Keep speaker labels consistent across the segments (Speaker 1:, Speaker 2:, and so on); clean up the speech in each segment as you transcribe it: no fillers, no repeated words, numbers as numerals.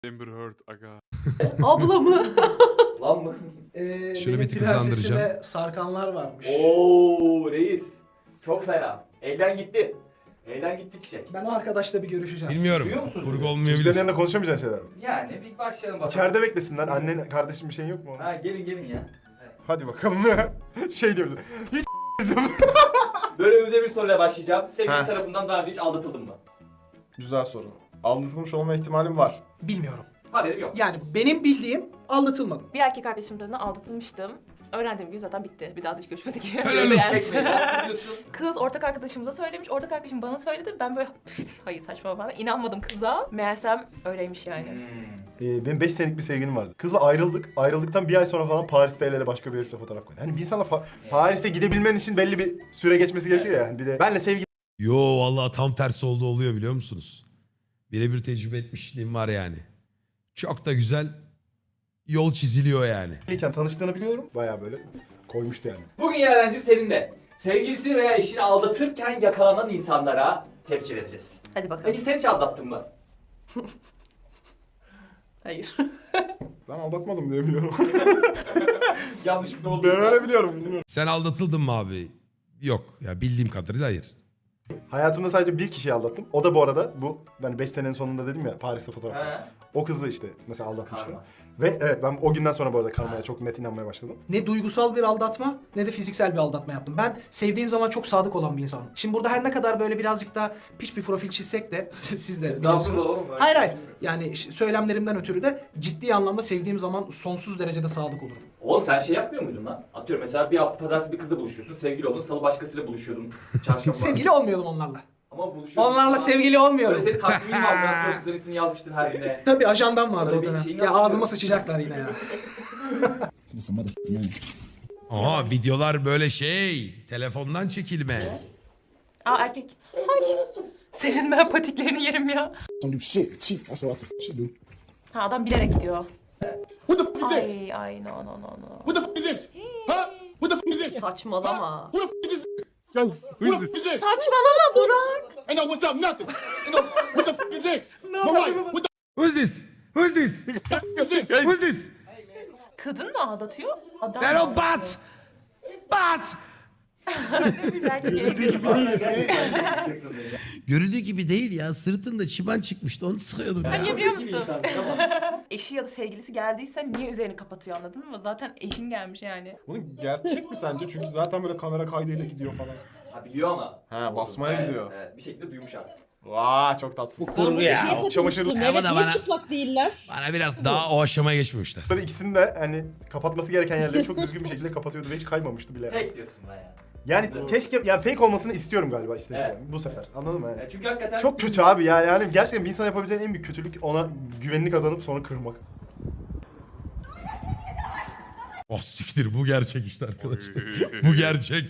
Speaker 1: Amber Heard aga.
Speaker 2: Abla mı?
Speaker 3: Lan mı?
Speaker 4: Şunu bir tık hızlandıracağım.
Speaker 5: Sarkanlar varmış.
Speaker 3: Oo reis. Çok fena. Elden gitti. Elden gitti çiçek.
Speaker 5: Ben o arkadaşla bir görüşeceğim.
Speaker 4: Bilmiyorum.
Speaker 3: Duyuyor musunuz?
Speaker 4: Kurgu
Speaker 6: Çocukların
Speaker 4: olmayabilir.
Speaker 6: yanında konuşamayacağın şeyler mi?
Speaker 3: Yani bir başlayalım bakalım.
Speaker 6: İçeride beklesinler. Annen, kardeşin bir şeyin yok mu?
Speaker 3: Ha gelin ya.
Speaker 6: Hadi bakalım. Şey diyoruz. Hiç
Speaker 3: Bölümümüze bir soruyla başlayacağım. Sevgili
Speaker 6: Ha.
Speaker 3: tarafından daha önce hiç aldatıldın mı?
Speaker 6: Güzel soru. Aldatılmış olma ihtimalim var.
Speaker 5: Bilmiyorum.
Speaker 3: Haberim yok.
Speaker 5: Yani benim bildiğim aldatılmadım.
Speaker 2: Bir erkek arkadaşım tarafından aldatılmıştım. Öğrendiğim gün zaten bitti. Bir daha da hiç görüşmedik.
Speaker 4: Helal
Speaker 2: Böyle
Speaker 4: olsun.
Speaker 2: yani.
Speaker 3: Çekmeyi nasıl biliyorsun?
Speaker 2: Kız ortak arkadaşımıza söylemiş. Ortak arkadaşım bana söyledi. Ben böyle hayır saçma falan. İnanmadım kıza. Meğersem öyleymiş yani.
Speaker 6: Benim 5 senelik bir sevgilim vardı. Kızla ayrıldık. Ayrıldıktan bir ay sonra falan Paris'te el ele başka bir herifle fotoğraf koydu. Hani bir insana Paris'e gidebilmen için belli bir süre geçmesi gerekiyor ya. Bir de benle sevgili
Speaker 4: Yo vallahi tam tersi oldu oluyor biliyor musunuz? Birebir tecrübe etmişliğim var yani. Çok da güzel yol çiziliyor yani.
Speaker 6: iken tanıştığını biliyorum. Bayağı böyle koymuştu yani.
Speaker 3: Bugün Yaren'cim seninle sevgilisini veya eşini aldatırken yakalanan insanlara tepki vereceğiz.
Speaker 2: Hadi bakalım.
Speaker 3: Peki sen hiç aldattın mı?
Speaker 2: Hayır.
Speaker 6: Ben aldatmadım diye biliyorum.
Speaker 3: Yanlışlıkla
Speaker 6: Ben
Speaker 3: olduysa.
Speaker 6: öyle biliyorum. Bilmiyorum.
Speaker 4: Sen aldatıldın mı abi? Yok ya bildiğim kadarıyla hayır.
Speaker 6: Hayatımda sadece bir kişiyi aldattım. O da bu arada bu ben 5 senenin sonunda dedim ya Paris'te fotoğraf.
Speaker 3: He.
Speaker 6: O kızı işte mesela aldatmıştım.
Speaker 3: Karma.
Speaker 6: Ve evet ben o günden sonra bu arada karmaya çok net inanmaya başladım.
Speaker 5: Ne duygusal bir aldatma ne de fiziksel bir aldatma yaptım. Ben sevdiğim zaman çok sadık olan bir insanım. Şimdi burada her ne kadar böyle birazcık da piç bir profil çizsek de siz de biliyorsunuz.
Speaker 3: Estağfurullah oğlum. öyle
Speaker 5: Hayır
Speaker 3: şey
Speaker 5: hayır.
Speaker 3: değil mi?
Speaker 5: Yani söylemlerimden ötürü de ciddi anlamda sevdiğim zaman sonsuz derecede sadık olurum.
Speaker 3: Oğlum sen şey yapmıyor muydun lan? Atıyorum mesela bir hafta pazartesi bir kızla buluşuyorsun. Sevgili oldun. Salı başkasıyla buluşuyordun. Çarşamba.
Speaker 5: Sevgili olmuyordum onlarla.
Speaker 3: Ama buluşuyordun.
Speaker 5: Onlarla sevgili olmuyorum.
Speaker 3: Böyle senin takvimin mi aldın? Kızların ismini yazmıştın her birine.
Speaker 5: Tabii ajandan vardı
Speaker 3: Öyle
Speaker 5: o
Speaker 3: bir
Speaker 5: dönem.
Speaker 3: şeyin
Speaker 5: Ya
Speaker 3: yok.
Speaker 5: ağzıma sıçacaklar yine ya.
Speaker 4: Aha videolar böyle şey telefondan çekilme.
Speaker 2: Aa erkek. Ay. Senin ben patiklerini yerim ya.
Speaker 7: Don't do shit. Chief, that's what I should do.
Speaker 2: Ha adam bilerek gidiyor.
Speaker 7: What the fuck is this?
Speaker 2: Ay no no no no.
Speaker 7: What the fuck is this? Huh? What the fuck is this?
Speaker 2: Saçmalama.
Speaker 7: Who the fuck is this?
Speaker 1: Guys,
Speaker 7: Who the fuck is this?
Speaker 2: Saçmalama Burak.
Speaker 7: Ain't no what's up, nothing. Ain't no, what the fuck is this? My wife, what the
Speaker 4: Who's this? Who's this?
Speaker 7: fuck is this?
Speaker 4: Who's this?
Speaker 2: Kadın mı aldatıyor? Adam
Speaker 4: They're
Speaker 2: mı
Speaker 4: all
Speaker 2: aldatıyor?
Speaker 4: bad. Görüldüğü gibi değil ya. Sırtında çiban çıkmıştı. Onu sıkıyordum ya.
Speaker 2: Niye biliyor
Speaker 3: Bir
Speaker 2: musun?
Speaker 3: insansın ama.
Speaker 2: Eşi ya da sevgilisi geldiyse niye üzerini kapatıyor anladın mı? Zaten eşin gelmiş yani.
Speaker 6: Bunun gerçek mi sence? Çünkü zaten böyle kamera kaydıyla gidiyor falan.
Speaker 3: Ha biliyor ama.
Speaker 6: Ha basmaya
Speaker 3: Evet,
Speaker 6: gidiyor.
Speaker 3: Evet, bir şekilde duymuş artık.
Speaker 6: Vaa çok tatsız.
Speaker 8: Kurgu ya. Şey takılmıştım.
Speaker 4: Ama
Speaker 8: Evet
Speaker 4: da
Speaker 8: niye
Speaker 4: bana-
Speaker 8: çıplak değiller?
Speaker 4: Bana biraz daha o aşamaya geçmemişler.
Speaker 6: Bunları ikisini de hani kapatması gereken yerleri çok düzgün bir şekilde kapatıyordu ve hiç kaymamıştı bile.
Speaker 3: Tek diyorsun lan ya.
Speaker 6: Yani
Speaker 3: Doğru.
Speaker 6: keşke yani fake olmasını istiyorum galiba işte
Speaker 3: Evet.
Speaker 6: bu sefer. Anladın mı? Yani?
Speaker 3: Çünkü hakikaten...
Speaker 6: Çok kötü abi yani gerçekten bir insan yapabileceğin en büyük kötülük ona güvenini kazanıp sonra kırmak.
Speaker 4: Oh siktir bu gerçek işte arkadaşlar. Bu gerçek.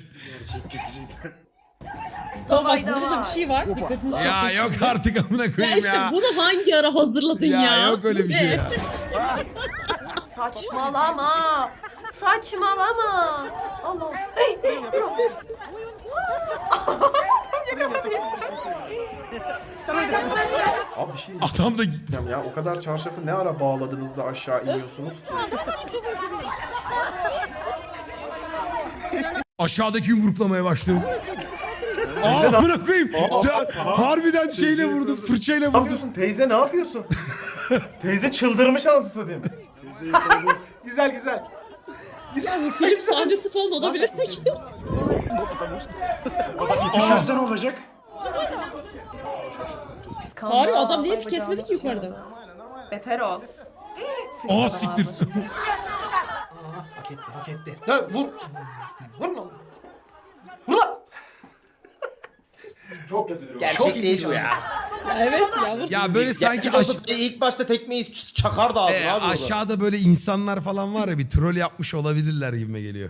Speaker 8: Ama bak
Speaker 2: Davayda
Speaker 8: burada da
Speaker 2: var.
Speaker 8: bir şey var. Dikkatinizi
Speaker 4: Ya
Speaker 8: çekecek.
Speaker 4: yok artık amına
Speaker 8: Ya
Speaker 4: koyayım
Speaker 8: işte
Speaker 4: ya.
Speaker 8: bunu hangi ara hazırladın ya?
Speaker 4: Ya yok öyle bir şey
Speaker 8: Ne?
Speaker 4: ya.
Speaker 2: Saçmalama. Saçmalama. Allah.
Speaker 6: Abi bir şey
Speaker 4: Adam da
Speaker 6: diyeceğim ya o kadar çarşafı ne ara bağladınız da aşağı iniyorsunuz ki?
Speaker 4: aşağıdaki yumruklamaya başlıyor. Aa amına koyayım. Sen harbiden şeyle vurdun, fırçayla
Speaker 6: Ne
Speaker 4: vurdun.
Speaker 6: yapıyorsun teyze ne yapıyorsun? Teyze çıldırmış anasını satayım.
Speaker 5: Güzel güzel.
Speaker 8: Ya bu film sahnesi falan olabilir peki?
Speaker 5: Düşersen olacak.
Speaker 2: Skandal.
Speaker 8: Harbi adam niye
Speaker 2: Ay,
Speaker 8: kesmedi ki
Speaker 2: bacağını
Speaker 8: yukarıda?
Speaker 2: düşürdü. Beter ol.
Speaker 4: Aa siktir.
Speaker 5: Hak etti hak etti. Ha, vur. Vurma. Vur lan.
Speaker 3: Çok kötü durum.
Speaker 5: Çok değil bu ya.
Speaker 8: Evet ya. Bu...
Speaker 4: Ya böyle sanki
Speaker 9: ilk başta tekmeyi çakar da ağzına abi.
Speaker 4: aşağıda böyle insanlar falan var ya bir troll yapmış olabilirler gibime geliyor.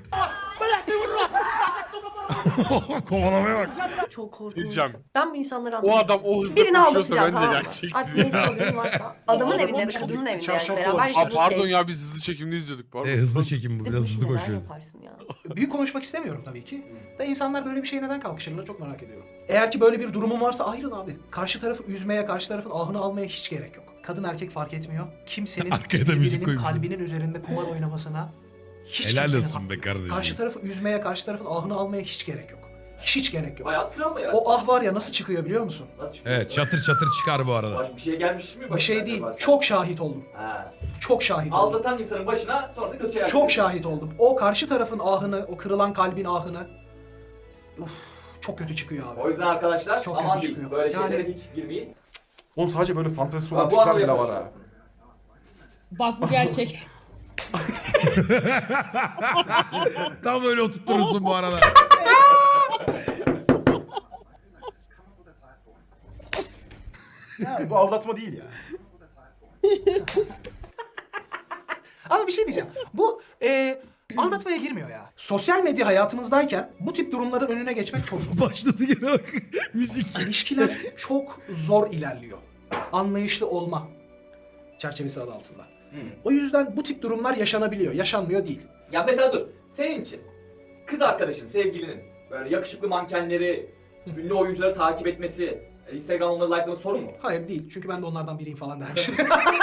Speaker 4: Kovalamaya bak.
Speaker 2: Çok korkunç.
Speaker 1: Diyeceğim.
Speaker 2: Ben bu insanları
Speaker 1: O
Speaker 2: anlamıyorum.
Speaker 1: adam o hızda
Speaker 2: Birini
Speaker 1: koşuyorsa
Speaker 2: aldatacağım
Speaker 1: bence
Speaker 2: tamam mı?
Speaker 1: gerçek.
Speaker 2: Artık ne sorunun varsa. Adamın evinde, kadının evinde yani beraber
Speaker 1: Aa
Speaker 2: yaşadığın
Speaker 1: pardon
Speaker 2: şey.
Speaker 1: ya biz hızlı çekimde izliyorduk pardon.
Speaker 4: Hızlı çekim bu
Speaker 2: Bir de
Speaker 4: biraz
Speaker 2: bu işi
Speaker 4: hızlı
Speaker 2: neden
Speaker 4: koşuyor.
Speaker 2: yaparsın ya?
Speaker 5: Büyük konuşmak istemiyorum tabii ki. Da insanlar böyle bir şeye neden kalkışırlar çok merak ediyorum. Eğer ki böyle bir durumun varsa ayrıl abi. Karşı tarafı üzmeye, karşı tarafın ahını almaya hiç gerek yok. kadın erkek fark etmiyor. Kimsenin
Speaker 4: Arkaya da müzik
Speaker 5: birbirinin
Speaker 4: koymuşlar.
Speaker 5: kalbinin üzerinde kumar oynamasına hiç
Speaker 4: Helal
Speaker 5: kimsenin
Speaker 4: olsun
Speaker 5: hakkı
Speaker 4: be
Speaker 5: yok.
Speaker 4: kardeşim.
Speaker 5: Karşı tarafı üzmeye, karşı tarafın ahını almaya hiç gerek yok. Hiç gerek yok.
Speaker 3: Hayat travma yaratır.
Speaker 5: O ah var ya nasıl çıkıyor biliyor musun?
Speaker 3: Nasıl çıkıyor?
Speaker 4: Evet çatır çatır çıkar bu arada.
Speaker 3: Bir şey gelmiş mi?
Speaker 5: Bir
Speaker 3: başına
Speaker 5: şey değil.
Speaker 3: acaba sen?
Speaker 5: Çok şahit oldum.
Speaker 3: Ha.
Speaker 5: Çok şahit oldum.
Speaker 3: Aldatan insanın başına sonrasında kötü şeyler
Speaker 5: Çok
Speaker 3: geliyor.
Speaker 5: şahit oldum. O karşı tarafın ahını, o kırılan kalbin ahını çok kötü çıkıyor abi.
Speaker 3: O yüzden arkadaşlar
Speaker 5: Çok
Speaker 3: aman
Speaker 5: kötü
Speaker 3: değil.
Speaker 5: çıkıyor.
Speaker 3: Böyle
Speaker 5: Yani-
Speaker 3: şeylere hiç girmeyin.
Speaker 6: Oğlum sadece böyle fantezisi olan
Speaker 3: Bu
Speaker 6: tipler
Speaker 3: anı
Speaker 6: bile var
Speaker 3: yapmışlar.
Speaker 6: ha.
Speaker 8: Bak bu gerçek.
Speaker 4: Tam öyle oturturursun bu arada.
Speaker 6: Ya bu aldatma değil ya.
Speaker 5: Ama bir şey diyeceğim. Bu aldatmaya girmiyor ya. Sosyal medya hayatımızdayken bu tip durumların önüne geçmek çok zor.
Speaker 4: Başladı gene bak. Müzik.
Speaker 5: İlişkiler çok zor ilerliyor. Anlayışlı olma çerçevesi adı altında. O yüzden bu tip durumlar yaşanabiliyor. Yaşanmıyor değil.
Speaker 3: Ya mesela dur. Senin için kız arkadaşın, sevgilinin böyle yakışıklı mankenleri, ünlü oyuncuları takip etmesi, Instagram onları likelaması sorun mu?
Speaker 5: Hayır değil. Çünkü ben de onlardan biriyim falan dermişim.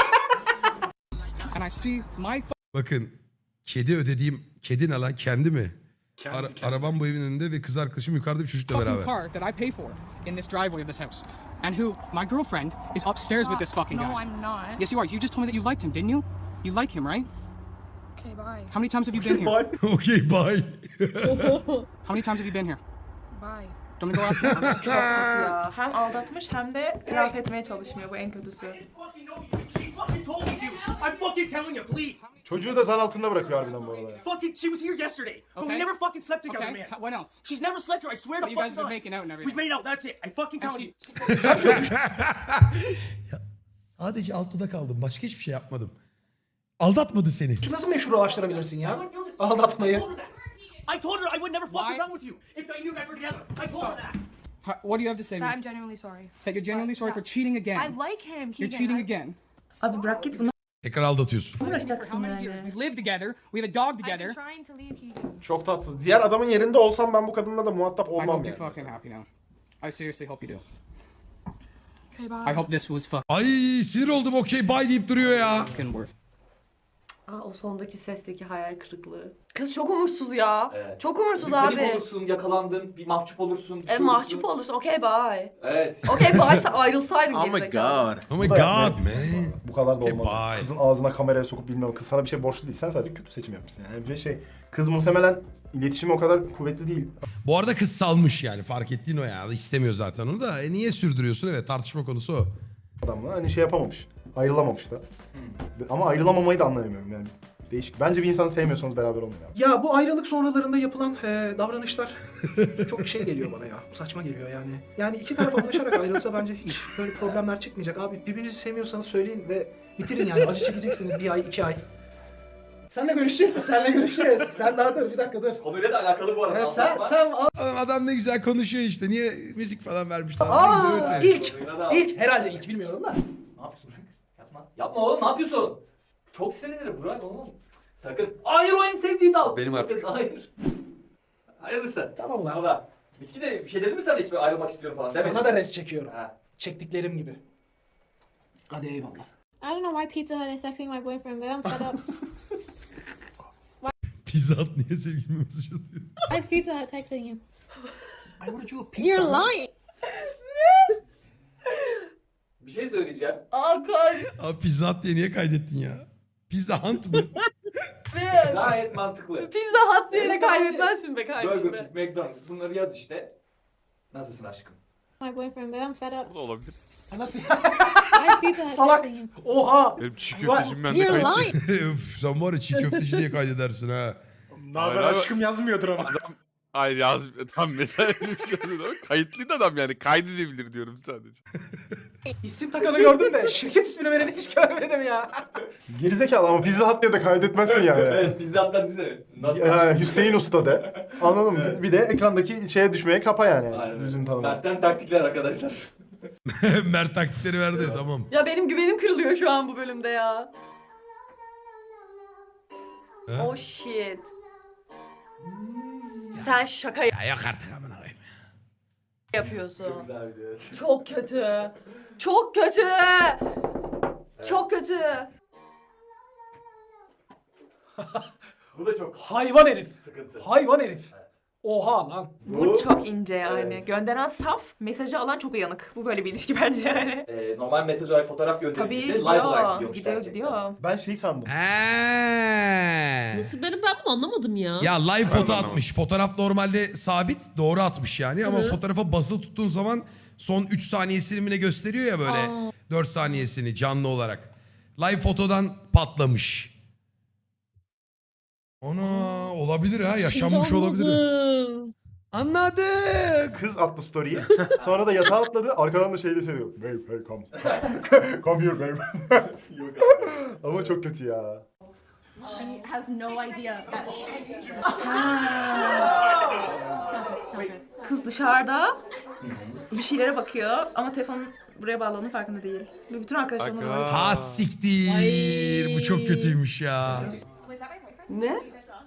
Speaker 4: Bakın kedi ödediğim kedi ne lan kendi mi? Arabam bu evin önünde ve kız arkadaşım yukarıda bir çocukla beraber.
Speaker 10: car that I pay for in this driveway of this house. And who, my girlfriend, is upstairs with this fucking guy.
Speaker 11: No, I'm not.
Speaker 10: Yes, you are. You just told me that you liked him, didn't you? You like him, right?
Speaker 11: Okay, bye.
Speaker 10: How many times have you been here?
Speaker 4: Okey bye.
Speaker 10: How many times have you been here?
Speaker 11: Bye.
Speaker 10: Don't go ask him.
Speaker 2: Çok kötü ya. Hem aldatmış hem de itiraf etmeye çalışmıyor. Bu en kötüsü.
Speaker 7: I'm fucking telling you, please.
Speaker 6: Çocuğu da zan altında bırakıyor harbiden bu arada ya.
Speaker 7: Fucking, she was here yesterday. But we
Speaker 10: Okay.
Speaker 7: never fucking slept together,
Speaker 10: Okay,
Speaker 7: man.
Speaker 10: what else?
Speaker 7: She's never slept here. I swear to
Speaker 10: But you guys
Speaker 7: fucking
Speaker 10: have been
Speaker 7: God.
Speaker 10: making out and everything.
Speaker 7: We've made out. That's it. I fucking
Speaker 10: And
Speaker 7: telling
Speaker 10: she-
Speaker 7: you.
Speaker 4: Sadece altıda kaldım. Başka hiçbir şey yapmadım. Aldatmadı seni.
Speaker 5: Nasıl meşrulaştırabilirsin ya?
Speaker 7: I wouldn't do this.
Speaker 5: Aldatmayı.
Speaker 7: I told her that. I told her I would never fuck
Speaker 10: Why?
Speaker 7: around with you if I knew you guys were together. I told her that.
Speaker 10: What do you have to say?
Speaker 11: That I'm genuinely sorry.
Speaker 10: That you're genuinely sorry for cheating
Speaker 11: I
Speaker 10: again.
Speaker 11: like him.
Speaker 10: You're cheating again.
Speaker 2: Abi bırak git bunu
Speaker 4: Tekrar aldatıyorsun.
Speaker 10: For
Speaker 2: uğraşacaksın
Speaker 10: how many years?
Speaker 2: yani.
Speaker 10: We live together. We have a dog
Speaker 11: I've
Speaker 10: together.
Speaker 11: been trying to leave Keegan.
Speaker 6: Çok tatsız. Diğer adamın yerinde olsam ben bu kadınla da muhatap
Speaker 10: I
Speaker 6: olmam
Speaker 10: hope
Speaker 6: yani.
Speaker 10: you're fucking happy now. I seriously hope you do.
Speaker 11: Okay, bye.
Speaker 10: I hope this was
Speaker 4: Ay sinir oldum okey bye deyip duruyor ya.
Speaker 10: fucking worth.
Speaker 12: O sondaki sesteki hayal kırıklığı. Kız çok umursuz ya.
Speaker 3: Evet.
Speaker 12: Çok umursuz
Speaker 3: Bir panik
Speaker 12: abi.
Speaker 3: olursun, yakalandın, bir mahcup olursun. bir şey
Speaker 12: Mahcup
Speaker 3: olursun.
Speaker 12: olursun. Okey bye.
Speaker 3: Evet.
Speaker 12: Okey bye ayrılsaydın gerizekalı.
Speaker 4: Oh my
Speaker 6: Bu da
Speaker 4: god
Speaker 6: yapma.
Speaker 4: man.
Speaker 6: Bu kadar da
Speaker 4: Okay,
Speaker 6: olmaz.
Speaker 4: bye.
Speaker 6: Kızın ağzına kameraya sokup bilmem. Kız sana bir şey borçlu değil. Sen sadece kötü seçim yapmışsın yani. Bir şey. Kız muhtemelen iletişimi o kadar kuvvetli değil.
Speaker 4: Bu arada kız salmış yani fark ettiğin o ya. İstemiyor zaten onu da. Niye sürdürüyorsun? Evet tartışma konusu o.
Speaker 6: Adamla hani şey yapamamış. Ayrılamamış da. Ama ayrılamamayı da anlayamıyorum yani. Değişik. Bence bir insanı sevmiyorsanız beraber olmayın abi.
Speaker 5: Ya bu ayrılık sonralarında yapılan davranışlar çok şey geliyor bana ya. Saçma geliyor yani. Yani iki taraf anlaşarak ayrılsa bence hiç böyle problemler çıkmayacak. Abi birbirinizi sevmiyorsanız söyleyin ve bitirin yani. Acı çekeceksiniz 1 ay 2 ay. Senle görüşeceğiz mi? Senle görüşeceğiz. Sen daha dur bir dakika dur.
Speaker 3: Konuyla da alakalı bu arada.
Speaker 5: Sen
Speaker 4: Adam ne güzel konuşuyor işte. Niye müzik falan vermişler? Ne güzel öğüt verir.
Speaker 5: ilk herhalde ilk bilmiyorum da.
Speaker 3: Ne yapıyorsun? Yapma. Yapma oğlum, ne yapıyorsun? Çok sinirlenir Burak oğlum. Sakın. Hayır, o en sevdiğim dal.
Speaker 1: Benim
Speaker 3: Sakın,
Speaker 1: artık.
Speaker 3: hayır. Hayırlısı.
Speaker 5: Tamam lan.
Speaker 3: Valla. Bitki de bir şey dedi mi sana hiç böyle ayrılmak istiyorum falan demedi.
Speaker 5: Sana da res çekiyorum.
Speaker 3: Ha.
Speaker 5: Çektiklerim gibi. Hadi eyvallah.
Speaker 11: I don't know why Pizza Hut is texting my boyfriend, but I'm fed up.
Speaker 4: Pizza Hut niye sevgilime mesaj atıyor?
Speaker 11: Why is Pizza Hut texting you?
Speaker 5: I ordered you a pizza.
Speaker 11: You're lying.
Speaker 3: Bir şey söyleyeceğim.
Speaker 4: Abi Pizza Hut diye niye kaydettin ya? Pizza Hunt mı?
Speaker 3: Gayet mantıklı.
Speaker 12: Pizza Hut diye de kaybetmezsin be kardeşim.
Speaker 3: Burger King, McDonald's bunları yaz işte. Nasılsın aşkım?
Speaker 11: My boyfriend, but I'm fed up.
Speaker 1: Bu da olabilir.
Speaker 5: Nasıl?
Speaker 11: Why is Pizza Hut
Speaker 5: Salak.
Speaker 11: texting you?
Speaker 5: Oha.
Speaker 1: Benim çiğ köftecim bende
Speaker 11: You're
Speaker 1: kayıtlı.
Speaker 11: lying.
Speaker 4: Üf, sen var ya çiğ köfteci diye kaydedersin ha.
Speaker 6: Ne haber aşkım yazmıyordur ama.
Speaker 1: Adam hayır yaz tam mesela öyle bir şey yazıyor ama kayıtlıydı adam yani kaydedebilir diyorum sadece.
Speaker 5: İsim takanı gördüm de şirket ismini vereni hiç görmedim ya.
Speaker 6: Gerizekalı ama Pizza Hut diye de kaydetmezsin yani.
Speaker 3: Evet, biz de hatta dizene. Nasıl
Speaker 6: Ya,
Speaker 3: aşkım?
Speaker 6: Hüseyin Usta de. Anladın mı?
Speaker 3: Evet.
Speaker 6: Bir de ekrandaki şeye düşmeye kapa yani.
Speaker 3: Aynen
Speaker 6: Yüzünü
Speaker 3: öyle.
Speaker 6: tanıma.
Speaker 3: Mert'ten taktikler arkadaşlar.
Speaker 4: Mert taktikleri verdi tamam.
Speaker 12: Ya benim güvenim kırılıyor şu an bu bölümde ya.
Speaker 4: Ha?
Speaker 12: Oh shit. Sen şaka
Speaker 4: Ya yok artık amına koyayım.
Speaker 12: yapıyorsun.
Speaker 3: Güzel bir evet.
Speaker 12: Çok kötü. Çok kötü. Çok kötü.
Speaker 3: Bu da çok
Speaker 5: Hayvan herif.
Speaker 3: sıkıntı.
Speaker 5: Hayvan herif. Oha lan.
Speaker 2: Bu çok ince yani.
Speaker 3: Evet.
Speaker 2: Gönderen saf, mesajı alan çok uyanık. Bu böyle bir ilişki bence yani.
Speaker 3: Normal mesaj olarak fotoğraf
Speaker 2: Tabii
Speaker 3: gönderildiğinde live olarak
Speaker 2: gidiyor.
Speaker 3: gidiyormuş
Speaker 2: Gidiyor
Speaker 3: gerçekten.
Speaker 2: gidiyor.
Speaker 6: Ben şey sandım.
Speaker 8: Nasıl ben bunu anlamadım ya.
Speaker 4: Ya live
Speaker 1: Ben de
Speaker 4: foto
Speaker 1: anlamadım.
Speaker 4: atmış. Fotoğraf normalde sabit, doğru atmış yani. Ama
Speaker 8: Hı.
Speaker 4: fotoğrafa basılı tuttuğun zaman son 3 saniyesini mi ne gösteriyor ya böyle.
Speaker 8: Aa.
Speaker 4: 4 saniyesini canlı olarak. Live fotodan patlamış. Ana olabilir ha, yaşanmış
Speaker 8: Şimdi
Speaker 4: olabilir.
Speaker 8: anladım.
Speaker 4: Anladık.
Speaker 6: Kız attı story'yi. Sonra da yatağa atladı. Arkadan da şey de söylüyor. Babe, hey come. Come here babe.
Speaker 3: Yok abi.
Speaker 6: Ama çok kötü ya.
Speaker 8: She has no idea that
Speaker 2: Kız dışarıda bir şeylere bakıyor ama telefon buraya bağlandığının farkında değil. Ve bütün arkadaşlarım ona
Speaker 1: Aga.
Speaker 4: Ha siktir. Bu çok kötüymüş ya.
Speaker 12: Ne?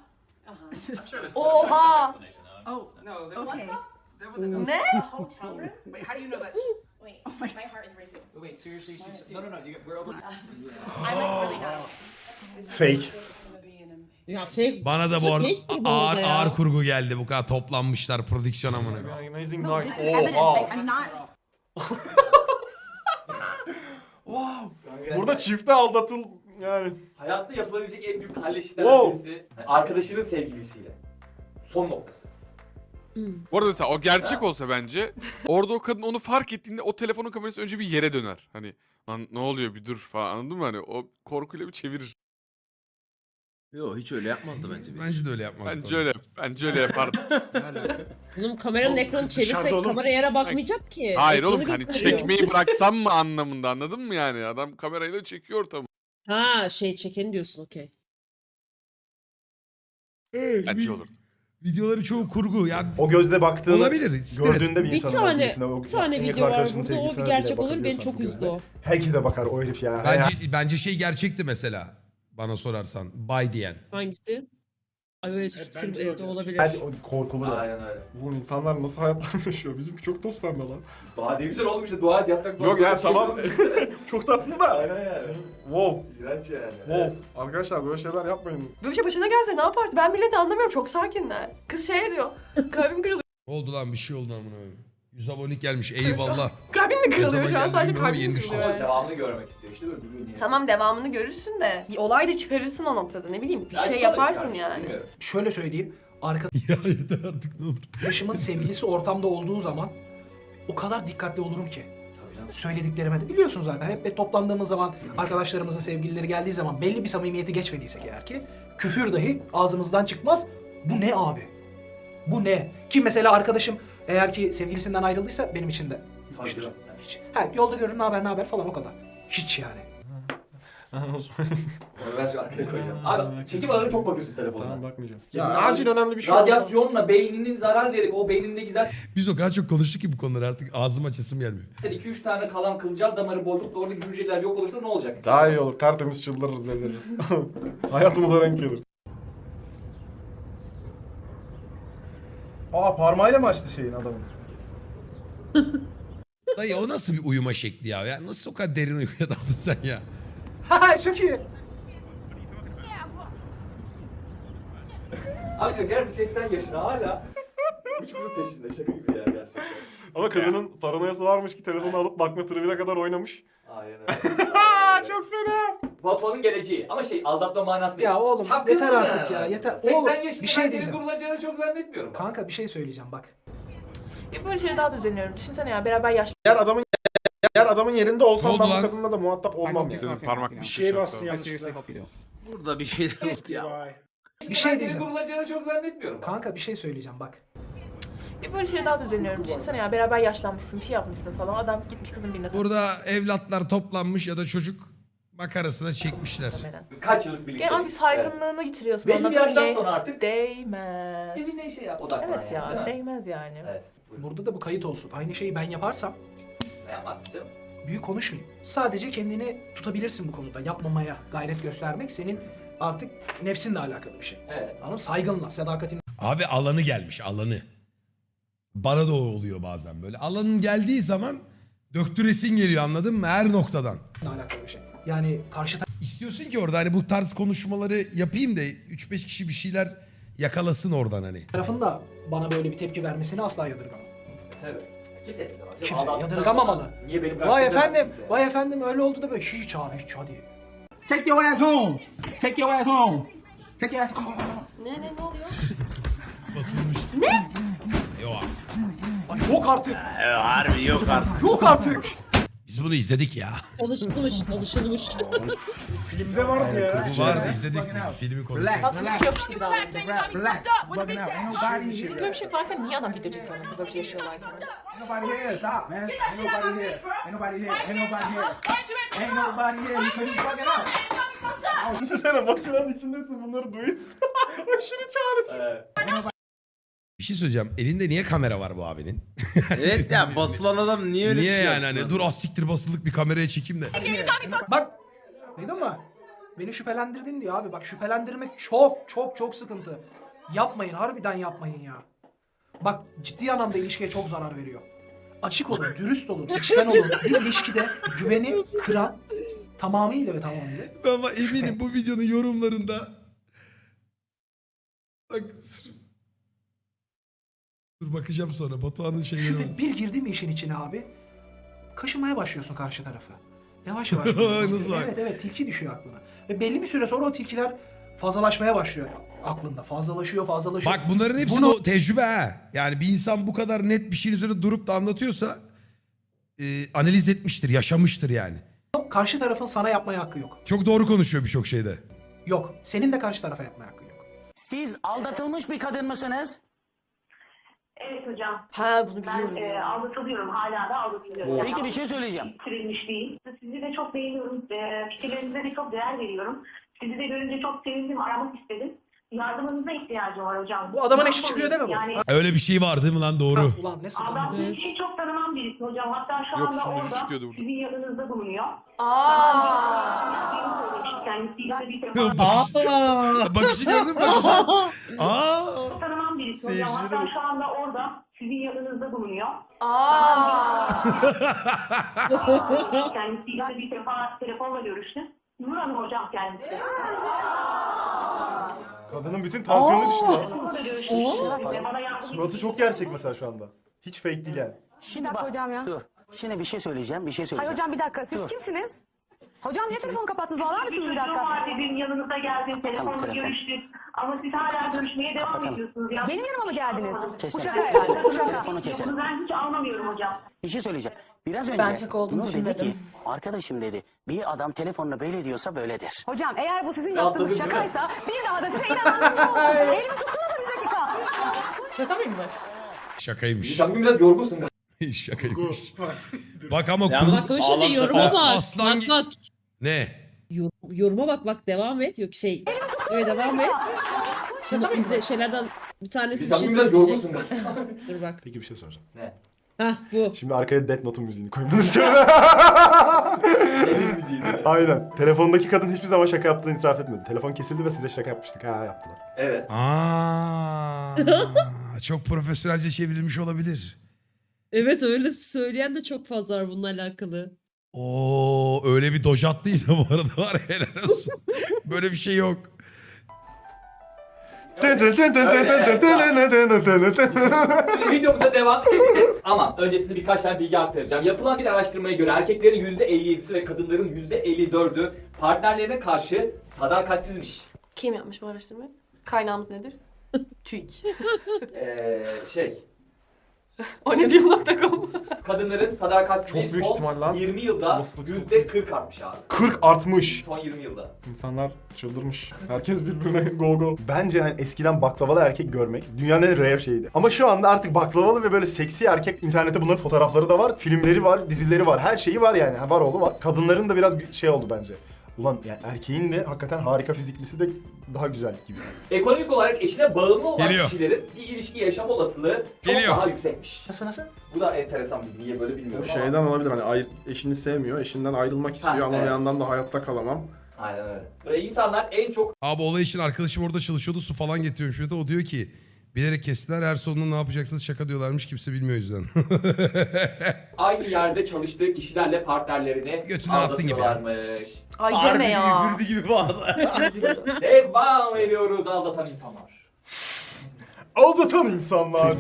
Speaker 12: Oha.
Speaker 10: Oh, no.
Speaker 8: Okay.
Speaker 12: Ne?
Speaker 10: Wait, how do you know that?
Speaker 9: Wait, my heart is racing.
Speaker 10: Wait, seriously? She's... No, we're over...
Speaker 9: I'm like really not.
Speaker 6: Fake.
Speaker 8: Ya fake.
Speaker 4: Bana da bu arada
Speaker 8: Fake gibi
Speaker 4: ağır,
Speaker 8: oldu ya.
Speaker 4: ağır kurgu geldi. Bu kadar toplanmışlar prodüksiyon amına.
Speaker 6: Amazing
Speaker 9: No,
Speaker 6: night.
Speaker 9: this is evidence.
Speaker 6: Oha.
Speaker 9: Like, I'm not.
Speaker 6: Burada çifte aldatıl yani.
Speaker 3: Hayatta yapılabilecek en büyük halleşikler
Speaker 6: Wow.
Speaker 3: birisi arkadaşının sevgilisiyle. Son noktası.
Speaker 1: Bu arada mesela o gerçek olsa bence orada o kadın onu fark ettiğinde o telefonun kamerası önce bir yere döner. Hani lan ne oluyor bir dur falan, anladın mı? Hani o korkuyla bir çevirir.
Speaker 9: Yok hiç öyle yapmazdı bence.
Speaker 4: Bence de öyle yapmaz.
Speaker 1: Bence öyle yapardı.
Speaker 8: Oğlum kameranın ekranı çevirsek kamera yere bakmayacak ki.
Speaker 1: Hayır
Speaker 8: Ekranı
Speaker 1: oğlum hani
Speaker 8: gösteriyor.
Speaker 1: çekmeyi bıraksam mı anlamında, anladın mı yani? Adam kamerayla çekiyor ortamı.
Speaker 8: Ha şey çekeni diyorsun okey.
Speaker 1: Bence olur.
Speaker 4: Videoları çoğu kurgu. Yani
Speaker 6: O gözle baktığını
Speaker 4: olabilir.
Speaker 6: gördüğünde bir
Speaker 8: Bir
Speaker 6: insanın
Speaker 8: tane
Speaker 6: birisine, o
Speaker 8: bir tane
Speaker 6: en yakın
Speaker 8: video var
Speaker 6: arkadaşının
Speaker 8: burada o bir
Speaker 6: sevgilisine
Speaker 8: gerçek
Speaker 6: bile
Speaker 8: olur beni
Speaker 6: bakabiliyorsan
Speaker 8: çok
Speaker 6: bir
Speaker 8: üzdü
Speaker 6: gözle.
Speaker 8: o.
Speaker 6: Herkese bakar o herif ya.
Speaker 4: Bence şey gerçekti mesela. Bana sorarsan. Bay diyen.
Speaker 8: Hangisi? Ay öyle çok sırf evde olabilir.
Speaker 6: Hadi o korkulur o.
Speaker 3: Aynen öyle.
Speaker 6: Oğlum insanlar nasıl hayatlar yaşıyor? Bizimki çok toz pembe lan.
Speaker 3: Daha ne güzel olmuş işte, dua et yatmak.
Speaker 6: Yok ya tamam. Çok tatsız da.
Speaker 3: Aynen yani.
Speaker 6: Wow.
Speaker 3: İğrenç yani.
Speaker 6: Wow. Arkadaşlar böyle şeyler yapmayın.
Speaker 12: Böyle bir şey başına gelse ne yaparsın? Ben milleti anlamıyorum. Çok sakinler. Kız şey diyor. Kalbim kırılıyor.
Speaker 4: Oldu lan bir şey oldu amına koyayım. 100 abonelik gelmiş. Eyvallah.
Speaker 12: Kalbim mi
Speaker 4: Ne
Speaker 12: kırılıyor
Speaker 4: zaman
Speaker 12: şu an?
Speaker 4: geldi
Speaker 12: Sadece
Speaker 4: bilmiyorum ama
Speaker 12: kalbim
Speaker 4: yeni
Speaker 12: mi
Speaker 4: düştü.
Speaker 12: kırılıyor
Speaker 3: Ama
Speaker 12: yani?
Speaker 3: devamını görmek istiyor işte böyle duruyor niye?
Speaker 12: Tamam devamını görürsün de. Bir olay da çıkarırsın o noktada. Ne bileyim bir
Speaker 3: Belki
Speaker 12: şey
Speaker 3: sonra
Speaker 12: yaparsın
Speaker 3: çıkar,
Speaker 12: yani.
Speaker 3: bilmiyorum.
Speaker 5: Şöyle söyleyeyim.
Speaker 4: Ya yeter artık ne olur.
Speaker 5: Arkadaşımın sevgilisi ortamda olduğu zaman o kadar dikkatli olurum ki.
Speaker 3: Tabii canım.
Speaker 5: Söylediklerime de biliyorsun zaten. Hep toplandığımız zaman arkadaşlarımızın sevgilileri geldiği zaman belli bir samimiyeti geçmediysek eğer ki küfür dahi ağzımızdan çıkmaz. Bu ne abi? Bu ne? Ki mesela arkadaşım eğer ki sevgilisinden ayrıldıysa benim için de
Speaker 3: Tabii
Speaker 5: hiçtir.
Speaker 3: canım.
Speaker 5: Hiç. Ha, yolda görür ne haber falan o kadar. Hiç yani.
Speaker 3: Onu ben şu arkaya koyacağım. Abi çekim alanına çok bakıyorsun telefonuna.
Speaker 6: Tamam bakmayacağım.
Speaker 3: Ya,
Speaker 6: acil önemli bir şey oldu.
Speaker 3: Radyasyonla beyninin zarar verip o beynindeki zaten
Speaker 4: Biz o kadar çok konuştuk ki bu konuları artık ağzım açasım gelmiyor.
Speaker 3: 2-3 tane kalan kılcal damarı bozup da oradaki hücreler yok olursa ne olacak?
Speaker 6: Daha iyi olur. Tertemiz çıldırırız deliririz. Hayatımıza renk gelir. Aa parmağıyla mı açtı şeyin adamın?
Speaker 4: Dayı o nasıl bir uyuma şekli ya? Ya nasıl o kadar derin uykuya daldın sen ya?
Speaker 5: Ha çok iyi.
Speaker 3: Abi gel bir 80 yaşına hala üç bunun peşinde, şaka gibi ya gerçekten.
Speaker 6: Ama kadının paranoyası varmış ki telefonu alıp bakma tribüne kadar oynamış.
Speaker 3: Aynen öyle.
Speaker 6: Çok fena.
Speaker 3: Batuhan'ın geleceği ama aldatma manası değil.
Speaker 5: Ya oğlum
Speaker 3: Çapkınlık
Speaker 5: yeter artık
Speaker 3: yani
Speaker 5: ya yeter.
Speaker 3: aslında.
Speaker 5: Oğlum
Speaker 3: 80 yaşında
Speaker 5: bir şey
Speaker 3: ben senin
Speaker 5: diyeceğim.
Speaker 3: durulacağını çok zannetmiyorum.
Speaker 5: Kanka bir şey söyleyeceğim bak.
Speaker 2: Ya böyle şeyleri daha da üzülüyorum. Düşünsene ya beraber yaşlı.
Speaker 6: Eğer adamın yerinde
Speaker 4: Ne
Speaker 6: olsam
Speaker 4: oldu
Speaker 6: ben bu
Speaker 4: lan?
Speaker 6: kadınla da muhatap olmam ya.
Speaker 1: Senin parmak bir
Speaker 6: Bir
Speaker 1: şey
Speaker 6: şeye bastın
Speaker 10: I
Speaker 6: ya.
Speaker 10: seriously hope you do.
Speaker 9: Burada bir şeyler oldu ya.
Speaker 5: Bir şey
Speaker 3: Ben senin
Speaker 5: diyeceğim.
Speaker 3: durulacağını çok zannetmiyorum.
Speaker 5: Kanka bir şey söyleyeceğim bak.
Speaker 2: Ya böyle şeyleri daha da üzülüyorum. Düşünsene ya beraber yaşlanmışsın, bir şey yapmışsın falan. Adam gitmiş kızın birine
Speaker 4: Burada evlatlar toplanmış ya da çocuk makarasına çekmişler.
Speaker 2: takılmaya.
Speaker 3: Kaç yıllık birlikte?
Speaker 2: Ya abi saygınlığını yitiriyorsun.
Speaker 3: Belli bir
Speaker 2: anladın mı?
Speaker 3: yaştan sonra artık
Speaker 2: Değmez.
Speaker 3: evine şey yap, odaklan
Speaker 2: Evet
Speaker 3: yani,
Speaker 2: ya,
Speaker 3: değil mi?
Speaker 2: değmez yani.
Speaker 3: Evet. buyurun.
Speaker 5: Burada da bu kayıt olsun. Aynı şeyi ben yaparsam
Speaker 3: Ne yapmazsın canım?
Speaker 5: büyük konuşmayayım. Sadece kendini tutabilirsin bu konuda. Yapmamaya gayret göstermek senin artık nefsinle alakalı bir şey.
Speaker 3: Evet.
Speaker 5: Anladın mı? Saygınla, sadakatinle
Speaker 4: Abi alanı gelmiş alanı. Bana da o oluyor bazen böyle. Alanın geldiği zaman döktüresin geliyor anladın mı? Her noktadan.
Speaker 5: alakalı bir şey. Yani karşı
Speaker 4: İstiyorsun ki orada hani bu tarz konuşmaları yapayım da 3-5 kişi bir şeyler yakalasın oradan hani.
Speaker 5: tarafın da bana böyle bir tepki vermesini asla yadırgamam.
Speaker 3: Tabii. Kimse yadırgamaz.
Speaker 5: Kimse
Speaker 3: Adam-
Speaker 5: yadırgamamalı.
Speaker 3: Niye beni
Speaker 5: Vay
Speaker 3: bıraktın
Speaker 5: efendim,
Speaker 3: kimse?
Speaker 5: vay efendim öyle oldu da böyle hiç abi hiç hadi.
Speaker 10: Take your ass home. Take your ass home. Take your ass home.
Speaker 12: Ne oluyor?
Speaker 4: Basılmış. Ne? Yok
Speaker 5: Ay yok artık.
Speaker 9: Harbi yok artık.
Speaker 5: Yok artık.
Speaker 4: biz bunu izledik ya.
Speaker 8: Çalışılmış.
Speaker 6: Filmde vardı ya.
Speaker 4: Bu vardı izledik filmi konusu.
Speaker 2: Tatlım bir şey yokmuş gibi davranıyor.
Speaker 10: Relax. Bugging out. Ain't nobody
Speaker 2: Şimdi böyle bir şey varken niye adam video çekiyor mesela böyle bir şey yaşıyorlarken?
Speaker 10: Ain't nobody here. Stop, man. Ain't nobody here. Ain't nobody here. Ain't nobody here. Ain't nobody here. You couldn't fuck it up.
Speaker 6: Düşünsene makinenin içindesin bunları duyuyorsun. Aşırı çaresiz.
Speaker 4: Bir şey söyleyeceğim. Elinde niye kamera var bu abinin?
Speaker 9: Evet ya basılan adam niye öyle
Speaker 4: Niye
Speaker 9: bir şey
Speaker 4: yani
Speaker 9: yapsın
Speaker 4: hani
Speaker 9: abi?
Speaker 4: dur az siktir basılık bir kameraya çekeyim de.
Speaker 5: Bak. Duydun mu? Beni şüphelendirdin diye abi. Bak şüphelendirmek çok sıkıntı. Yapmayın harbiden yapmayın ya. Bak ciddi anlamda ilişkiye çok zarar veriyor. Açık olun, dürüst olun, içten olun. Bir ilişkide güveni kıran tamamıyla.
Speaker 4: Ama eminim bu videonun yorumlarında bak dur bakacağım sonra Batuhan'ın şeyleri var.
Speaker 5: Şüphe bir girdi mi işin içine abi? Kaşımaya başlıyorsun karşı tarafı. Yavaş yavaş.
Speaker 4: Nasıl bak?
Speaker 5: Evet tilki düşüyor aklına. Ve belli bir süre sonra o tilkiler fazlalaşmaya başlıyor aklında. Fazlalaşıyor.
Speaker 4: Bak bunların hepsi o tecrübe ha. Yani bir insan bu kadar net bir şeyin üzerine durup da anlatıyorsa analiz etmiştir, yaşamıştır yani.
Speaker 5: Karşı tarafın sana yapmaya hakkı yok.
Speaker 4: Çok doğru konuşuyor birçok şeyde.
Speaker 5: Yok. Senin de karşı tarafa yapmaya hakkın yok.
Speaker 10: Siz aldatılmış bir kadın mısınız?
Speaker 11: Evet hocam.
Speaker 12: Ha bunu biliyorum
Speaker 11: Ben
Speaker 12: ya.
Speaker 11: aldatılıyorum. Hala da aldatılıyorum.
Speaker 10: Peki bir şey söyleyeceğim.
Speaker 11: Bitirilmiş değil. Sizi de çok beğeniyorum. Fikirlerinize de çok değer veriyorum. Sizi de görünce çok sevindim. Aramak istedim. Yardımınıza ihtiyacım var hocam.
Speaker 5: Bu adamın eşi çıkıyor değil mi bu?
Speaker 11: Yani
Speaker 4: Öyle bir şey var değil mi lan doğru.
Speaker 5: Ha, ulan ne sıkıntı.
Speaker 11: aldattığım kişi çok tanımam birisi hocam. Hatta şu
Speaker 1: Yok,
Speaker 11: anda
Speaker 1: sunucu
Speaker 11: orada
Speaker 1: çıkıyordu burada.
Speaker 11: sizin yanınızda bulunuyor. Kendisiyle bir defa
Speaker 4: Bakışı gördün mü? Bakışı. Aa.
Speaker 11: tanımam birisi hocam. Hatta şu anda orada sizin yanınızda bulunuyor. Kendisiyle bir defa telefonla görüştüm. Nur Hanım hocam kendisi.
Speaker 6: Kadının bütün tansiyonu düştü lan.
Speaker 11: Telefonla da görüşmüştüm. Bana yardım
Speaker 6: Suratı çok gerçek mesela şu anda. Hiç fake değil yani.
Speaker 10: Şimdi bak.
Speaker 11: hocam ya.
Speaker 10: Dur. Şimdi bir şey söyleyeceğim.
Speaker 11: Hayır hocam bir dakika. Siz
Speaker 10: Dur.
Speaker 11: kimsiniz? Hocam niye telefonu kapattınız? Bağlar mısınız bir dakika?
Speaker 10: Tamam,
Speaker 11: Dedim yanınıza geldim. Telefonla
Speaker 10: telefon.
Speaker 11: görüştük. Ama siz hala görüşmeye devam
Speaker 10: Kapatalım.
Speaker 11: ediyorsunuz ya. Benim yanıma mı geldiniz?
Speaker 10: Keselim.
Speaker 11: Bu şaka herhalde. Bu şaka.
Speaker 10: Telefonu keselim.
Speaker 11: Bunu ben hiç anlamıyorum hocam.
Speaker 10: Bir şey söyleyeceğim. Biraz önce
Speaker 2: Ben şaka olduğunu
Speaker 10: Nur dedi
Speaker 2: düşünmedim.
Speaker 10: ki arkadaşım dedi bir adam telefonla böyle diyorsa böyledir.
Speaker 11: Hocam eğer bu sizin
Speaker 3: Rahatladın
Speaker 11: yaptığınız
Speaker 3: değil mi?
Speaker 11: şakaysa bir daha da size inanmam olsun. Elimi tutsana da bir dakika.
Speaker 2: Şaka mıymış?
Speaker 4: Şakaymış.
Speaker 3: Sen bugün biraz yorgunsun.
Speaker 4: Şakaymış. Bak ama
Speaker 9: Yalnız
Speaker 4: kız
Speaker 8: Bak
Speaker 9: Sağlam
Speaker 8: şimdi yoruma
Speaker 4: şaka.
Speaker 8: bak.
Speaker 4: Aslan
Speaker 8: Bak
Speaker 4: gi-
Speaker 8: bak.
Speaker 4: ne?
Speaker 8: Yoruma bak devam et. Yok şey. Böyle devam et. Şunu izle şeylerden bir tanesi bir
Speaker 3: Sen
Speaker 8: şey
Speaker 3: bugün biraz
Speaker 8: söyleyecek.
Speaker 3: yorgunsun.
Speaker 8: Dur bak.
Speaker 6: Peki bir şey soracağım.
Speaker 8: Hah bu.
Speaker 6: Şimdi arkaya Death Note'un müziğini koymamı istiyorum.
Speaker 3: Elin müziği.
Speaker 6: Aynen. Telefondaki kadın hiçbir zaman şaka yaptığını itiraf etmedi. Telefon kesildi ve size şaka yapmıştık. Ha yaptılar.
Speaker 3: Evet.
Speaker 4: Aa, çok profesyonelce çevrilmiş olabilir.
Speaker 8: Evet öyle söyleyen de çok fazla var bununla alakalı.
Speaker 4: Oo öyle bir doj attıysa bu arada var ya, helal olsun. Böyle bir şey yok.
Speaker 3: Şimdi videomuza devam edeceğiz ama öncesinde birkaç tane bilgi aktaracağım. Yapılan bir araştırmaya göre erkeklerin %57'si ve kadınların %54'ü partnerlerine karşı sadakatsizmiş.
Speaker 12: Kim yapmış bu araştırmayı? Kaynağımız nedir? TÜİK. O ne diyor.com.
Speaker 3: Kadınların sadakatsizliği
Speaker 6: Çok büyük
Speaker 3: son
Speaker 6: ihtimal lan.
Speaker 3: 20 yılda
Speaker 6: Olasılık çok
Speaker 3: %40 artmış abi.
Speaker 6: 40 artmış.
Speaker 3: Son 20 yılda.
Speaker 6: İnsanlar çıldırmış. Herkes birbirine go go. Bence hani eskiden baklavalı erkek görmek dünyanın en rare şeyiydi. Ama şu anda artık baklavalı ve böyle seksi erkek, internette bunların fotoğrafları da var, filmleri var, dizileri var, her şeyi var yani. Var oğlu var. Kadınların da biraz şey oldu bence. Ulan yani erkeğin de hakikaten harika fiziklisi de daha güzel gibi.
Speaker 3: Ekonomik olarak eşine bağımlı olan
Speaker 4: Geliyor.
Speaker 3: kişilerin bir ilişki yaşam olasılığı çok
Speaker 4: Geliyor.
Speaker 3: daha yüksekmiş.
Speaker 5: Nasıl?
Speaker 3: Bu da enteresan bir niye böyle bilmiyorum
Speaker 6: Bu
Speaker 3: ama.
Speaker 6: şeyden olabilir hani eşini sevmiyor, eşinden ayrılmak istiyor ama
Speaker 3: evet.
Speaker 6: bir yandan da hayatta kalamam.
Speaker 3: Aynen öyle. Böyle insanlar en çok
Speaker 4: Abi olay için arkadaşım orada çalışıyordu, su falan getiriyormuş. O diyor ki Bilerek kestiler. Her sonunda ne yapacaksınız şaka diyorlarmış. Kimse bilmiyor o yüzden.
Speaker 3: Aynı yerde çalıştığı kişilerle partnerlerini
Speaker 4: Götüne attın gibi ya.
Speaker 3: aldatıyorlarmış.
Speaker 12: Ay deme ya.
Speaker 9: üfürdü gibi bu arada.
Speaker 3: Devam ediyoruz aldatan insanlar.
Speaker 6: Aldatan insanlar.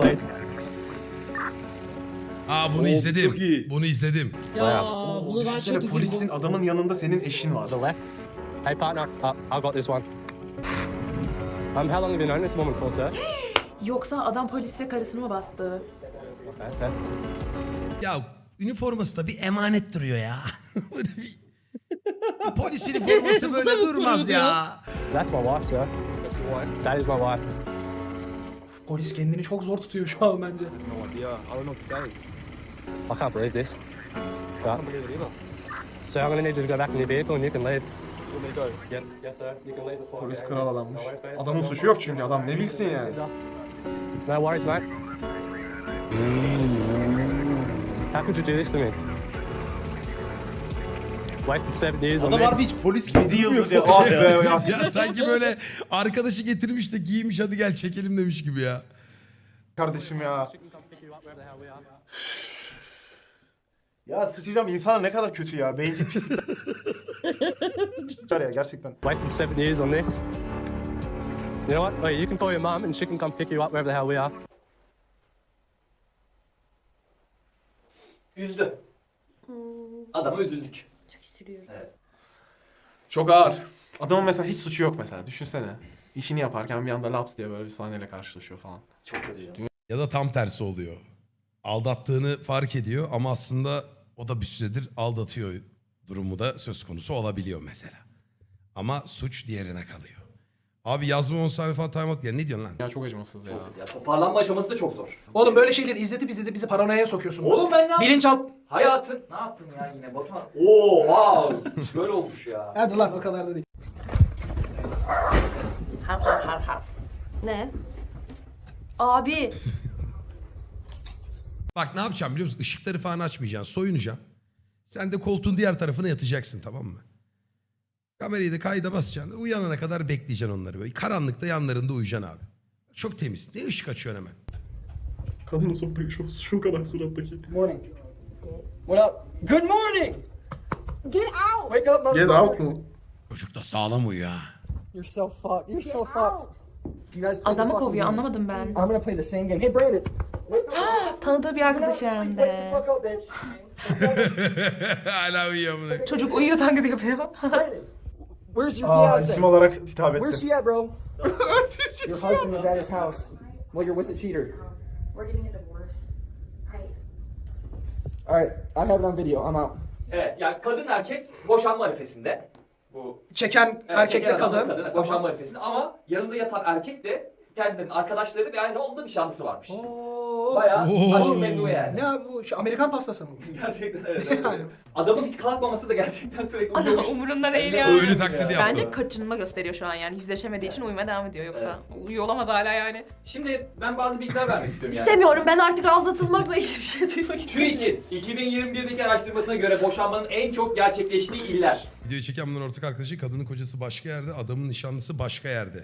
Speaker 4: Aa bunu
Speaker 9: Oo,
Speaker 4: izledim.
Speaker 9: çok iyi.
Speaker 4: Bunu izledim.
Speaker 8: Ya bunu ben
Speaker 6: Düşünsene,
Speaker 8: çok
Speaker 6: polisin
Speaker 8: üzüldüm.
Speaker 6: adamın yanında senin eşin var.
Speaker 10: Hey partner, I got this one. How long have you known this woman for, sir?
Speaker 2: Yoksa adam polise karısını mı bastı?
Speaker 10: Okay.
Speaker 4: Ya üniforması da bir emanet duruyor ya. Böyle bir polis üniforması böyle durmaz ya.
Speaker 10: That's my wife, sir. That is my wife.
Speaker 5: Polis kendini çok zor tutuyor şu an bence.
Speaker 10: No idea. I don't know what to say. I can't believe this. I can't believe it either. So I'm gonna need you to go back in your vehicle and you can leave. You may go. Yes, yes sir. You can leave the spot.
Speaker 6: Polis kral adammış. Adamın suçu yok çünkü adam ne bilsin yani.
Speaker 10: No worries, mate. How could you do this to me? Wasted 7 years on
Speaker 9: Adam
Speaker 10: this.
Speaker 9: harbi hiç polis gibi
Speaker 6: 7 yıl
Speaker 9: durmuyor.
Speaker 6: dedi. Ah be ya.
Speaker 4: Ya sanki böyle arkadaşı getirmiş de giymiş hadi gel çekelim demiş gibi ya.
Speaker 6: Kardeşim ya. Ya sıçacağım, insanlar ne kadar kötü ya. Bencil pislik. ya gerçekten.
Speaker 10: Wasted 7 years on this. You know what? Wait, you can call your mum and she can come pick you up wherever the hell we are.
Speaker 3: Üzdü. Adama üzüldük.
Speaker 12: Çok üzülüyorum.
Speaker 6: Çok ağır. Adamın mesela hiç suçu yok mesela. Düşünsene. İşini yaparken bir anda laps diye böyle bir sahneyle karşılaşıyor falan.
Speaker 3: Çok kötü canım.
Speaker 4: Ya da tam tersi oluyor. Aldattığını fark ediyor ama aslında o da bir süredir aldatıyor durumu da söz konusu olabiliyor mesela. Ama suç diğerine kalıyor. Abi yazma 10 sayfa timeout ya ne diyorsun lan?
Speaker 6: Ya çok acımasız ya.
Speaker 3: Ya toparlanma aşaması da çok zor.
Speaker 5: Oğlum böyle şeyleri izletip bizi paranoyaya sokuyorsun.
Speaker 3: Oğlum ben ne yaptım?
Speaker 5: Bilinçaltı...
Speaker 3: Hayatın ne yaptın ya yine Batuhan? Oo wow. Böyle olmuş ya.
Speaker 5: Hadi lan o kadar da değil.
Speaker 12: Ne? Abi.
Speaker 4: Bak ne yapacağım biliyor musun? Işıkları falan açmayacaksın. Soyunacaksın. Sen de koltuğun diğer tarafına yatacaksın tamam mı? Kamerayı da kayda basacaksın. Uyanana kadar bekleyeceksin onları böyle. Karanlıkta yanlarında uyuyacaksın abi. Çok temiz. Ne ışık açıyorsun hemen?
Speaker 6: Kadının soktuğu şu kadar surattaki.
Speaker 7: Morning. What up? Good morning!
Speaker 12: Get out.
Speaker 7: Wake up,
Speaker 6: Get out mu?
Speaker 4: Çocuk da sağlam uyuyor ha.
Speaker 7: You're so fucked. You're so fucked. You guys play the
Speaker 2: Adamı
Speaker 7: fucking
Speaker 2: kovuyor
Speaker 7: game.
Speaker 2: anlamadım ben.
Speaker 7: I'm gonna play the same game. Hey, Brandon. Wake up.
Speaker 2: Tanıdığı bir arkadaşı hem
Speaker 7: Wake the
Speaker 2: de.
Speaker 7: fuck up, bitch.
Speaker 4: Hala uyuyor bunu.
Speaker 2: Çocuk uyuyor taklidi yapıyor.
Speaker 7: Brandon. Where's your
Speaker 6: Aa,
Speaker 7: fiance?
Speaker 6: isim olarak hitap
Speaker 7: Where's
Speaker 6: etti.
Speaker 7: she at, bro? Your husband is at his house. Well, you're with a cheater.
Speaker 12: We're getting a divorce.
Speaker 7: All right, I have it on video. I'm out.
Speaker 3: Evet yani kadın erkek boşanma arifesinde. Bu
Speaker 5: Çeken
Speaker 3: evet,
Speaker 5: erkekle
Speaker 3: çeken adamla
Speaker 5: kadın.
Speaker 3: boşanma arifesinde ama yanında yatan erkek de kendilerinin arkadaşları ve aynı zamanda onun da nişanlısı varmış.
Speaker 5: Oo.
Speaker 3: Bayağı
Speaker 4: Oo.
Speaker 3: aşk memnu yani.
Speaker 5: Ne abi bu? Şu Amerikan pastası mı?
Speaker 3: Gerçekten evet. evet.
Speaker 5: Yani.
Speaker 3: Adamın hiç kalkmaması da gerçekten sürekli
Speaker 2: Adam
Speaker 3: uyuyormuş.
Speaker 2: umurunda değil
Speaker 3: Yani.
Speaker 2: ya.
Speaker 4: Öyle taklidi yaptı.
Speaker 2: Bence kaçınma gösteriyor şu an yani. Yüzleşemediği için uyumaya devam ediyor yoksa. Uyuyor olamaz hala yani.
Speaker 3: Şimdi ben bazı bilgiler vermek istiyorum yani.
Speaker 12: İstemiyorum. Ben artık aldatılmakla ilgili bir şey duymak istemiyorum.
Speaker 3: TÜİK'in 2021'deki araştırmasına göre boşanmanın en çok gerçekleştiği iller.
Speaker 4: Videoyu çeken bunların ortak arkadaşı kadının kocası başka yerde, adamın nişanlısı başka yerde.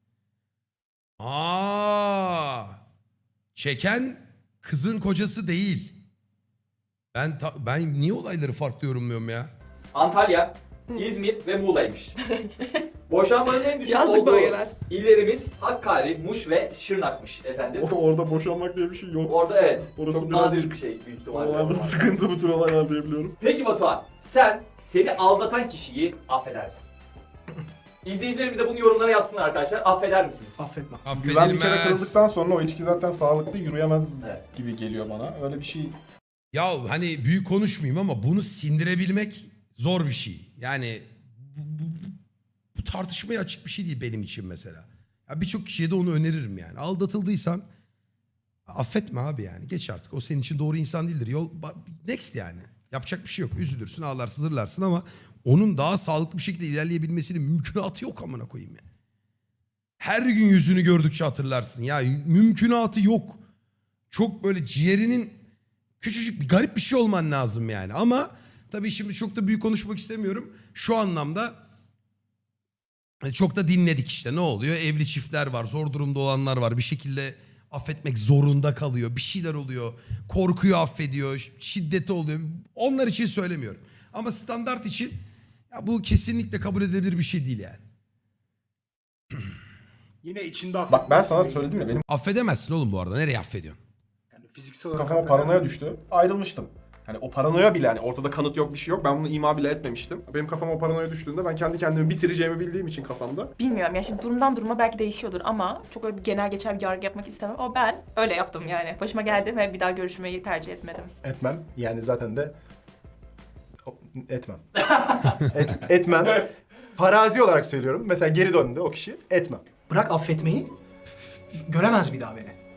Speaker 4: Aa! Çeken kızın kocası değil. Ben niye olayları farklı yorumluyorum ya?
Speaker 3: Antalya, İzmir ve Muğla'ymış. Boşanmanın en düşük
Speaker 12: Yazık
Speaker 3: olduğu
Speaker 12: bölgeler.
Speaker 3: illerimiz Hakkari, Muş ve Şırnak'mış efendim.
Speaker 6: Orada boşanmak diye bir şey yok.
Speaker 3: Orada evet.
Speaker 6: Orası
Speaker 3: çok
Speaker 6: biraz-
Speaker 3: nadir bir şey büyük ihtimalle.
Speaker 6: Oralarda sıkıntı bu tür olaylar diyebiliyorum.
Speaker 3: Peki Batuhan, sen seni aldatan kişiyi affeder misin? İzleyicilerimiz de bunu yorumlara yazsınlar arkadaşlar. Affeder misiniz?
Speaker 5: Affetmem.
Speaker 6: Güven bir kere
Speaker 4: Affedilmez.
Speaker 6: kırıldıktan sonra o ilişki zaten sağlıklı yürüyemez
Speaker 3: Evet.
Speaker 6: gibi geliyor bana. Öyle bir şey.
Speaker 4: Ya hani büyük konuşmayayım ama bunu sindirebilmek zor bir şey. Yani bu tartışmaya açık bir şey değil benim için mesela. Ya birçok kişiye de onu öneririm yani. Aldatıldıysan affetme abi yani. Geç artık. O senin için doğru insan değildir. Next yani. Yapacak bir şey yok. Üzülürsün, ağlarsın, zırlarsın ama onun daha sağlıklı bir şekilde ilerleyebilmesinin mümkünatı yok amına koyayım ya. Her gün yüzünü gördükçe hatırlarsın. Ya mümkünatı yok. Çok böyle ciğerinin küçücük bir garip bir şey olman lazım yani. Ama tabii şimdi çok da büyük konuşmak istemiyorum. Şu anlamda Çok da dinledik işte, ne oluyor? Evli çiftler var, zor durumda olanlar var. Bir şekilde affetmek zorunda kalıyor. Bir şeyler oluyor. Korkuyor, affediyor. Şiddeti oluyor. Onlar için söylemiyorum. Ama standart için ya bu kesinlikle kabul edilebilir bir şey değil yani.
Speaker 5: Yine içinde
Speaker 6: Bak ben sana söyledim ya benim
Speaker 4: Affedemezsin oğlum bu arada. Nereye affediyorsun?
Speaker 5: Yani fiziksel olarak
Speaker 6: kafama paranoya düştü. Ayrılmıştım. Hani o paranoya bile hani ortada kanıt yok bir şey yok. Ben bunu ima bile etmemiştim. Benim kafama o paranoya düştüğünde ben kendi kendimi bitireceğimi bildiğim için kafamda.
Speaker 2: Bilmiyorum ya, şimdi durumdan duruma belki değişiyordur ama çok öyle bir genel geçer bir yargı yapmak istemem. Ama ben öyle yaptım yani. Başıma geldi ve bir daha görüşmeyi tercih etmedim.
Speaker 6: Etmem. Yani zaten de etmem. Etmem. Farazi olarak söylüyorum. Mesela geri döndü o kişi. Etmem.
Speaker 5: bırak affetmeyi, göremez bir daha beni.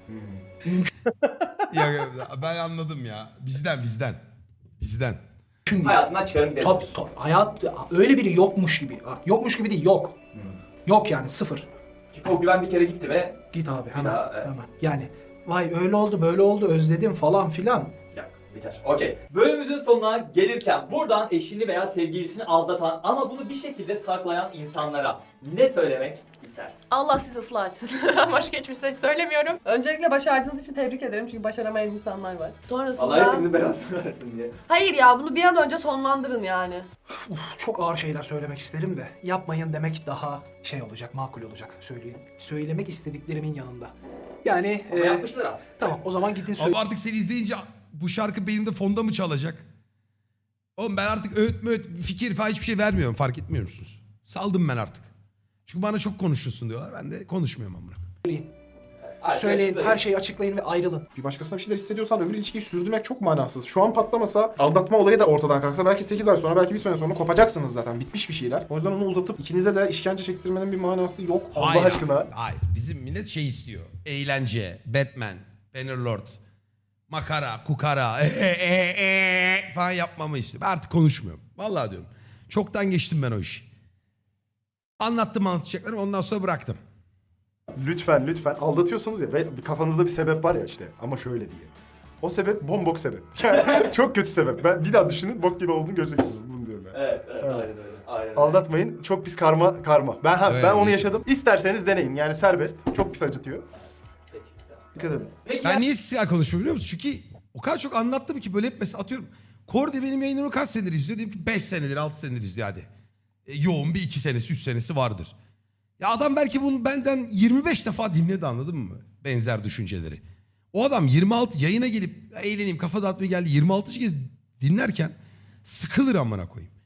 Speaker 4: Ya ben anladım ya. Bizden. Bizden.
Speaker 5: Mümkün değil.
Speaker 3: Hayatından çıkarım gidelim.
Speaker 5: Tabii. Hayat öyle biri yokmuş gibi. Yokmuş gibi değil, yok. Yok yani, sıfır.
Speaker 3: Çünkü o güven bir kere gitti ve
Speaker 5: Git abi hemen.
Speaker 3: daha, evet.
Speaker 5: Hemen. Yani vay öyle oldu böyle oldu özledim falan filan.
Speaker 3: ya, biter. Okey. Bölümümüzün sonuna gelirken buradan eşini veya sevgilisini aldatan ama bunu bir şekilde saklayan insanlara ne söylemek istersin?
Speaker 2: Allah sizi ıslah etsin. Başka hiçbir şey söylemiyorum.
Speaker 12: Öncelikle başardığınız için tebrik ederim çünkü başaramayan insanlar var.
Speaker 3: Allah
Speaker 12: Sonrasında...
Speaker 3: hepinizin belasını versin diye.
Speaker 12: Hayır ya, bunu bir an önce sonlandırın yani.
Speaker 5: Çok ağır şeyler söylemek isterim de yapmayın demek daha şey olacak, makul olacak, söyleyeyim. Söylemek istediklerimin yanında. Yani
Speaker 3: Ama yapmışlar abi.
Speaker 5: tamam o zaman gidin söyleyin.
Speaker 4: Ama artık seni izleyince bu şarkı benim fonda mı çalacak? Oğlum ben artık fikir falan hiçbir şey vermiyorum, fark etmiyor musunuz? Saldım ben artık. Çünkü bana çok konuşuyorsun diyorlar. Ben de konuşmuyorum amına.
Speaker 5: Söyleyin, her şeyi açıklayın ve ayrılın.
Speaker 6: Bir başkasına bir şeyler hissediyorsan öbür ilişkiyi sürdürmek çok manasız. Şu an patlamasa, aldatma olayı da ortadan kalksa belki 8 ay sonra, belki bir sene sonra kopacaksınız zaten. Bitmiş bir şeyler. O yüzden onu uzatıp ikinize de işkence çektirmenin bir manası yok. Allah
Speaker 4: Hayır,
Speaker 6: aşkına.
Speaker 4: Hayır. Bizim millet şey istiyor. Eğlence, Batman, Bannerlord, makara, kukara, falan yapmamı istiyor. Ben artık konuşmuyorum. Vallahi diyorum. Çoktan geçtim ben o işi. Anlattım anlatacaklarımı, ondan sonra bıraktım.
Speaker 6: Lütfen aldatıyorsunuz ya ve kafanızda bir sebep var ya işte ama şöyle diye. O sebep bombok sebep. Yani çok kötü sebep. Ben bir daha düşünün bok gibi olduğunu göreceksiniz. Bunu diyorum ben.
Speaker 3: Evet, aynen öyle. Aynen öyle.
Speaker 6: Aldatmayın. Çok pis karma. Ben
Speaker 4: Evet.
Speaker 6: ben onu yaşadım. İsterseniz deneyin. Yani serbest. Çok pis acıtıyor.
Speaker 3: Peki, tamam.
Speaker 6: Dikkat edin.
Speaker 3: Peki
Speaker 4: Ben niye eskisi kadar konuşmuyorum biliyor musun? Çünkü o kadar çok anlattım ki böyle hep mesela atıyorum. Kordi benim yayınlarımı kaç senedir izliyor? Diyelim ki 5 senedir, 6 senedir izliyor hadi. Yoğun bir 2 senesi, 3 senesi vardır. Ya adam belki bunu benden 25 defa dinledi, anladın mı? Benzer düşünceleri. O adam 26 yayına gelip eğleneyim, kafa dağıtmaya geldi. 26. kez dinlerken sıkılır amına koyayım.